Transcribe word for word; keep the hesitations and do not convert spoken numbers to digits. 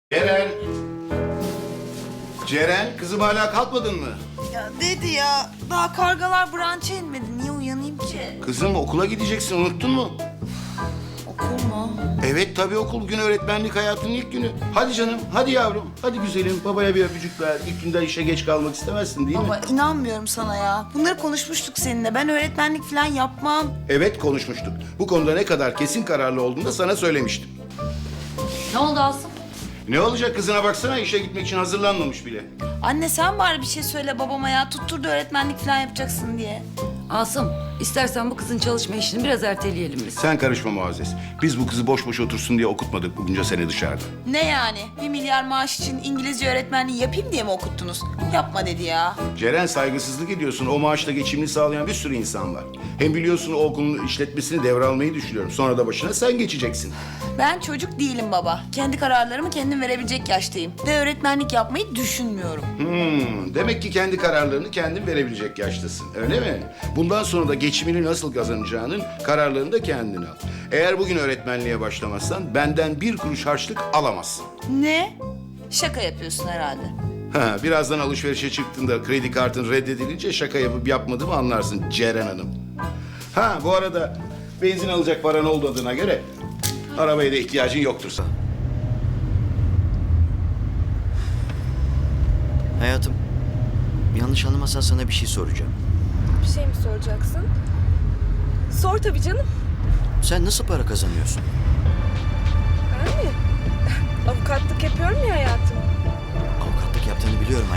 Ceren! Ceren, kızım hala kalkmadın mı? Ya dedi ya, daha kargalar branşa inmedi. Niye uyanayım ki? Kızım okula gideceksin, unuttun mu? Okul mu? Evet tabii okul, bugün öğretmenlik hayatının ilk günü. Hadi canım, hadi yavrum, hadi güzelim. Babaya bir öpücük ver. İlk günden işe geç kalmak istemezsin değil mi? Baba inanmıyorum sana ya. Bunları konuşmuştuk seninle. Ben öğretmenlik falan yapmam. Evet konuşmuştuk. Bu konuda ne kadar kesin kararlı olduğunu da sana söylemiştim. Ne oldu Asım? Ne olacak, kızına baksana, işe gitmek için hazırlanmamış bile. Anne sen bari bir şey söyle babama ya. Tutturdu öğretmenlik falan yapacaksın diye. Asım, istersen bu kızın çalışma işini biraz erteleyelim biz. Sen karışma Muazzez. Biz bu kızı boş boş otursun diye okutmadık bunca sene dışarıda. Ne yani? Bir milyar maaş için İngilizce öğretmenliği yapayım diye mi okuttunuz? Yapma dedi ya. Ceren, saygısızlık ediyorsun. O maaşla geçimini sağlayan bir sürü insan var. Hem biliyorsun o okulun işletmesini devralmayı düşünüyorum. Sonra da başına sen geçeceksin. Ben çocuk değilim baba. Kendi kararlarımı kendim verebilecek yaştayım. Ve öğretmenlik yapmayı düşünmüyorum. Hmm, demek ki kendi kararlarını kendin verebilecek yaştasın, öyle mi? Bundan sonra da geçimini nasıl kazanacağının kararlarını da kendin al. Eğer bugün öğretmenliğe başlamazsan benden bir kuruş harçlık alamazsın. Ne? Şaka yapıyorsun herhalde. Ha, birazdan alışverişe çıktığında kredi kartın reddedilince şaka yapıp yapmadığımı anlarsın Ceren Hanım. Ha, bu arada benzin alacak paran olmadığına göre arabaya da ihtiyacın yoktur sana. Hayatım, yanlış anlamazsan sana bir şey soracağım. Bir şey mi soracaksın? Sor tabii canım. Sen nasıl para kazanıyorsun? Ben mi? Avukatlık yapıyorum ya hayatım. Avukatlık yaptığını biliyorum